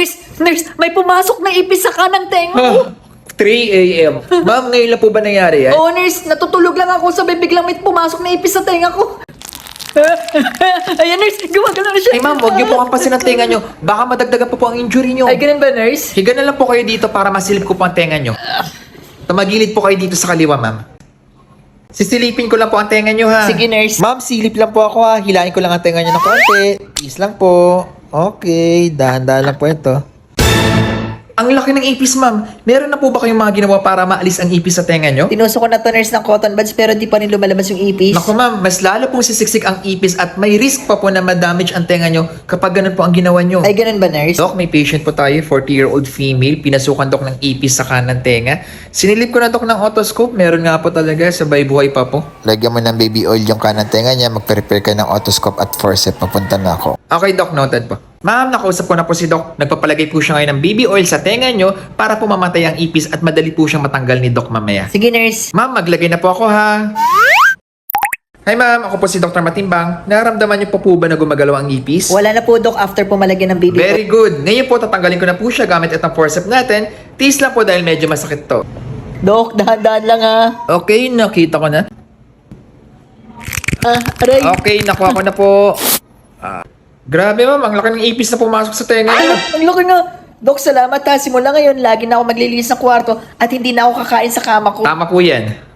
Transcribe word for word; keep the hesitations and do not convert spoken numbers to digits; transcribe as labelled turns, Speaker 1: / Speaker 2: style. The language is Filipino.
Speaker 1: nurse, nurse, may pumasok na ipis sa kanang tenga ko.
Speaker 2: three a m Ma'am, ngayon lang po ba nangyari yan?
Speaker 1: Oo, nurse, natutulog lang ako, sabay biglang may pumasok na ipis sa tenga ko. Ayan, nurse, gumagalaw na siya.
Speaker 2: Ay ma'am, huwag niyo po kampasin ang tenga niyo. Baka madagdagan po po ang injury niyo.
Speaker 1: Ay, ganun ba, nurse?
Speaker 2: Higa na lang po kayo dito para masilip ko po ang tenga niyo. Tumagilid po kayo dito sa kaliwa, ma'am. Sisilipin ko lang po ang tenga niyo, ha?
Speaker 1: Sige, nurse.
Speaker 2: Ma'am, silip lang po ako, ha. Hilahin ko lang ang tenga niyo ng konti. Peace lang po. Okay, dahan-dahan lang po ito. Ang laki ng ipis, ma'am. Meron na po ba kayong mga ginawa para maalis ang ipis sa tenga niyo?
Speaker 1: Tinusok ko na to, nurse, ng cotton buds pero di pa rin lumalabas yung ipis.
Speaker 2: Naku ma'am, mas lalo pong sisiksik ang ipis at may risk pa po na ma-damage ang tenga nyo kapag ganun po ang ginawa nyo.
Speaker 1: Ay, ganun ba, nurse?
Speaker 2: Dok, may patient po tayo, forty-year-old female, pinasukan dok ng ipis sa kanan tenga. Sinilip ko na dok ng otoscope, meron nga po talaga, sabay buhay pa po.
Speaker 3: Lagyan mo ng baby oil yung kanan tenga niya, mag-prepare ka ng otoscope at forceps, papunta na ako.
Speaker 2: Okay dok, noted po. Ma'am, nakausap ko na po si Doc. Nagpapalagay po siya ngayon ng baby oil sa tenga nyo para po mamatay ang ipis at madali po siyang matanggal ni Doc mamaya.
Speaker 1: Sige, nurse.
Speaker 2: Ma'am, maglagay na po ako, ha? Hi ma'am, ako po si Doctor Matimbang. Nararamdaman niyo po po ba na gumagalaw ang ipis?
Speaker 1: Wala na po, Doc, after pumalagyan ng baby
Speaker 2: Very good. Ngayon po, tatanggalin ko na po siya gamit itong forceps natin. Tiis lang po dahil medyo masakit to.
Speaker 1: Doc, dahan-dahan lang, ha?
Speaker 2: Okay, nakita ko na.
Speaker 1: Ah, aray.
Speaker 2: Okay, nakuha ko na po. Ah, grabe ma'am, ang laki ng ipis na pumasok sa tenga
Speaker 1: Ay,
Speaker 2: niyo.
Speaker 1: ang laki nga. Doc, salamat ha. Simula ngayon, lagi na ako maglilinis ng kwarto at hindi na ako kakain sa kama ko.
Speaker 2: Tama po yan.